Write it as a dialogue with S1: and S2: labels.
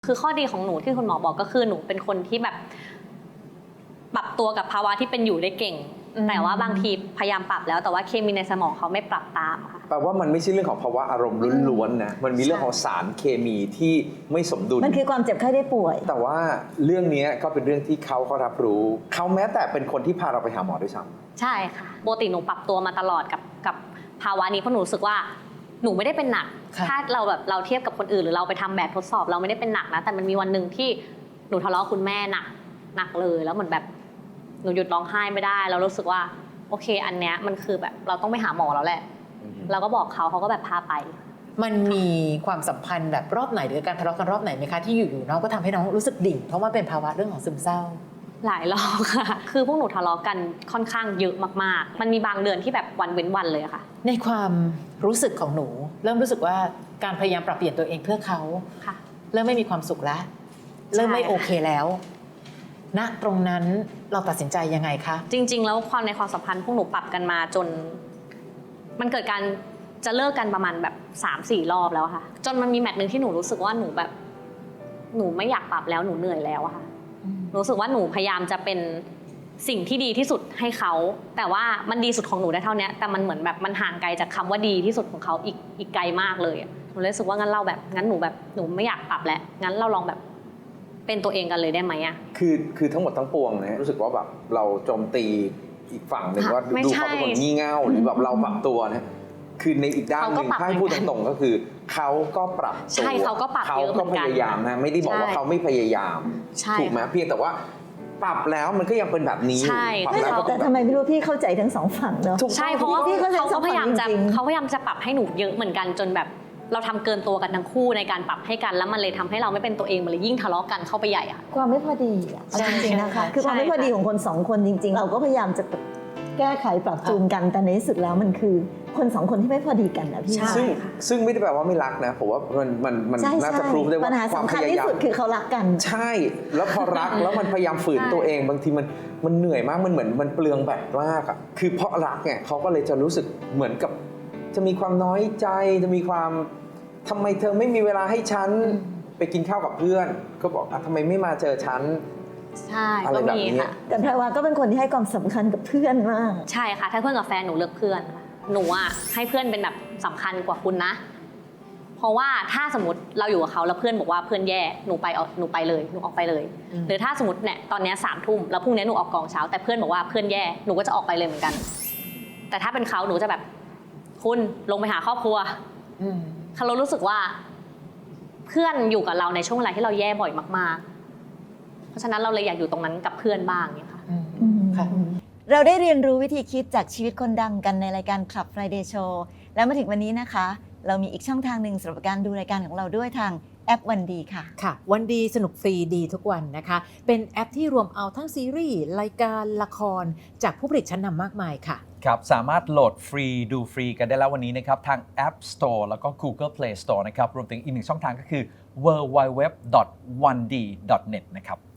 S1: คือข้อดีของหนูที่คุณหมอบอกก็คือหนูเป็นคนที่แบบปรับตัวกับภาวะที่เป็นอยู่ได้เก่งแต่ว่าบางทีพยายามปรับแล้วแต่ว่าเคมีในสมองเขาไม่ปรับตามค่ะ
S2: แปลว่ามันไม่ใช่เรื่องของภาวะอารมณ์ล้วนๆนะมันมีเรื่องของสารเคมีที่ไม่สมดุล
S3: มันคือความเจ็บไข้ได้ป่วย
S2: แต่ว่าเรื่องนี้ก็เป็นเรื่องที่เขาก็รับรู้เขาแม้แต่เป็นคนที่พาเราไปหาหมอด้วยซ้ำ
S1: ใช่ค่ะปกติหนูปรับตัวมาตลอดกับภาวะนี้เพราะหนูรู้สึกว่าหนูไม่ได้เป็นหนักถ้าเราเทียบกับคนอื่นหรือเราไปทำแบบทดสอบเราไม่ได้เป็นหนักนะแต่มันมีวันหนึ่งที่หนูทะเลาะคุณแม่หนักเลยแล้วเหมือนแบบหนูหยุดร้องไห้ไม่ได้เรารู้สึกว่าโอเคอันเนี้ยมันคือแบบเราต้องไปหาหมอแล้วแหละเราก็บอกเขาก็แบบพาไป
S4: มันมีความสัมพันธ์แบบรอบไหนหรือการทะเลาะกันรอบไหนไหมคะที่อยู่ๆน้องก็ทำให้น้องรู้สึกดิ่งเพราะว่าเป็นภาวะเรื่องของซึมเศร้า
S1: หลายรอบค่ะคือพวกหนูทะเลาะกันค่อนข้างเยอะมากๆมันมีบางเดือนที่แบบวันเว้นวันเลยค่ะ
S4: ในความรู้สึกของหนูเริ่มรู้สึกว่าการพยายามปรับเปลี่ยนตัวเองเพื่อเขาเริ่มไม่มีความสุขแล้วเริ่มไม่โอเคแล้วณตรงนั้นเราตัดสินใจยังไงคะ
S1: จริงๆแล้วในความสัมพันธ์พวกหนูปรับกันมาจนมันเกิดการจะเลิกกันประมาณแบบ 3-4 รอบแล้วค่ะจนมันมีแมตช์นึงที่หนูรู้สึกว่าหนูแบบหนูไม่อยากปรับแล้วหนูเหนื่อยแล้วอะค่ะรู้สึกว่าหนูพยายามจะเป็นสิ่งที่ดีที่สุดให้เขาแต่ว่ามันดีสุดของหนูได้เท่านี้แต่มันเหมือนแบบมันห่างไกลจากคำว่าดีที่สุดของเขาอีกไกลมากเลยหนูเลยรู้สึกว่างั้นหนูไม่อยากปรับแล้วงั้นเราลองแบบเป็นตัวเองกันเลยได้ไหมอะ
S2: คือทั้งหมดทั้งปวงนะรู้สึกว่าแบบเราโจมตีอีกฝั่งหนึ่งว่าดูเขาเป็นคนงี่เง่าหรือแบบเราปรับตัวนะคือในอีกด้านหนึ่งถ้าให้พูดตรงๆก็คือเขาก็ปรับตัว
S1: ใช่เขาก็ปรับเยอะเหมือนกัน
S2: เขาก็พยายามนะไม่ได้บอกว่าเขาไม่พยายามถูกไหมเพียงแต่ว่าปรับแล้วมันก็ยังเป็นแบบนี้
S3: แต่ทำไมไม่รู้พี่เข้าใจทั้งสองฝั่งเนาะ
S1: ใช่เพราะว่าเขาพยายามจะปรับให้หนูเยอะเหมือนกันจนแบบเราทำเกินตัวกันทั้งคู่ในการปรับให้กันแล้วมันเลยทำให้เราไม่เป็นตัวเองมันเลยยิ่งทะเลาะกันเข้าไปใหญ่ค่ะ
S3: ความไม่พอดีจริงๆนะคะคือความไม่พอดีของคนสองคนจริงๆเราก็พยายามจะแก้ไขปรับจูนกันแต่ในที่สุดแล้วมันคือคนสองคนที่ไม่พอดีกันนะพี่
S2: ซึ่งไม่ได้แปลว่าไม่รักนะผมว่ามันน่าจะพรูฟได้ว่า
S3: ปัญหาสำคัญที่สุดคือเขารักกัน
S2: ใช่แล้วพอรักแล้วมันพยายามฝืนตัวเองบางทีมันเหนื่อยมากมันเหมือนมันเปลืองแบตมากอ่ะคือเพราะรักเนี่ยเขาก็เลยจะรู้สึกเหมือนกับจะมีความน้อยใจจะมีความทำไมเธอไม่มีเวลาให้ฉันไปกินข้าวกับเพื่อนก็บอกทำไมไม่มาเจอฉัน
S1: ใช่ก็มีค่ะ
S3: แต่แพรวาก็เป็นคนที่ให้ความสำคัญกับเพื่อนมาก
S1: ใช่ค่ะถ้าเพื่อนกับแฟนหนูเลือกเพื่อนค่ะหนูอ่ะให้เพื่อนเป็นแบบสำคัญกว่าคุณนะเพราะว่าถ้าสมมติเราอยู่กับเขาแล้วเพื่อนบอกว่าเพื่อนแย่หนูไปเลยหนูออกไปเลยหรือถ้าสมมติเนี่ยตอนนี้3 ทุ่มแล้วพรุ่งนี้หนูออกกองเช้าแต่เพื่อนบอกว่าเพื่อนแย่หนูก็จะออกไปเลยเหมือนกันแต่ถ้าเป็นเขาหนูจะแบบคุณลงไปหาครอบครัวเรารู้สึกว่าเพื่อนอยู่กับเราในช่วงเวลาที่เราแย่บ่อยมากๆเพราะฉะนั้นเราเลยอยากอยู่ตรงนั้นกับเพื่อนบ้างเนี่ยค่ะ
S3: เราได้เรียนรู้วิธีคิดจากชีวิตคนดังกันในรายการ Club Friday Show แล้วมาถึงวันนี้นะคะเรามีอีกช่องทางหนึ่งสำหรับการดูรายการของเราด้วยทางแอปวันดีค่ะ
S4: ค่ะวันดีสนุกฟรีดีทุกวันนะคะเป็นแอปที่รวมเอาทั้งซีรีส์รายการละครจากผู้ผลิตชั้นนำมากมายค่ะ
S5: ครับสามารถโหลดฟรีดูฟรีกันได้แล้ววันนี้นะครับทาง App Store แล้วก็ Google Play Store นะครับรวมถึงอีกหนึ่งช่องทางก็คือ www.1d.net นะครับ